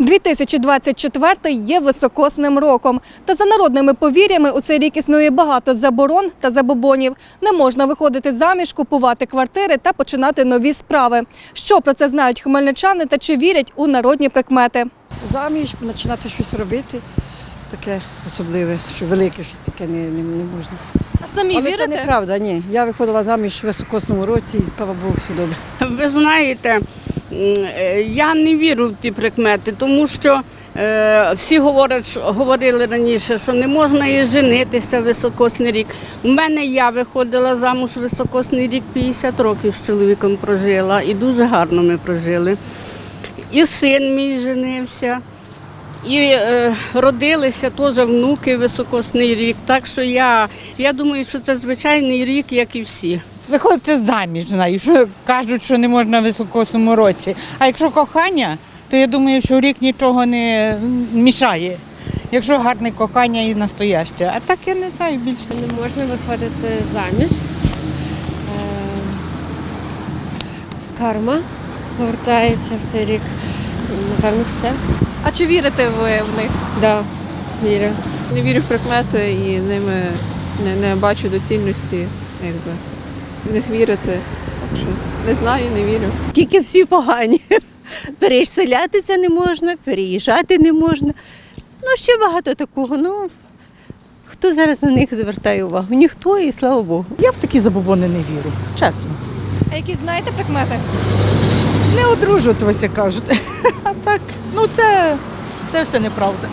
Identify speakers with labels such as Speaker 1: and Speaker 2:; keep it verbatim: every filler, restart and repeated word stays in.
Speaker 1: дві тисячі двадцять четвертий є високосним роком. Та за народними повір'ями у цей рік існує багато заборон та забобонів. Не можна виходити заміж, купувати квартири та починати нові справи. Що про це знають хмельничани та чи вірять у народні прикмети?
Speaker 2: Заміж, починати щось робити, таке особливе, що велике щось таке не, не, не можна.
Speaker 1: А самі
Speaker 2: Але
Speaker 1: вірите?
Speaker 2: це неправда, ні. Я виходила заміж в високосному році і, слава Богу, все добре.
Speaker 3: Ви знаєте, я не вірю в ті прикмети, тому що е, всі говорять, що, говорили раніше, що не можна і женитися в високосний рік. У мене я виходила замуж в високосний рік, п'ятдесят років з чоловіком прожила і дуже гарно ми прожили. І син мій женився, і е, родилися теж внуки в високосний рік. Так що я, я думаю, що це звичайний рік, як і всі.
Speaker 4: Виходити заміж, знаю, що кажуть, що не можна в високосному році. А якщо кохання, то я думаю, що рік нічого не мішає. Якщо гарне кохання і настояще. А так я не знаю більше.
Speaker 5: Не можна виходити заміж. Е, Карма повертається в цей рік. Напевно, все.
Speaker 1: А чи вірите ви в них?
Speaker 5: Да, вірю.
Speaker 6: Не вірю в прикмети і ними не, не бачу доцільності, якби, в них вірити. Так що не знаю, не вірю.
Speaker 7: Тільки всі погані. Переселятися не можна, переїжджати не можна. Ну, ще багато такого. Ну, хто зараз на них звертає увагу? Ніхто, і слава Богу.
Speaker 8: Я в такі забобони не вірю, чесно.
Speaker 1: А які знаєте прикмети?
Speaker 8: Не одружуватися, кажуть. А так, ну це, це все неправда.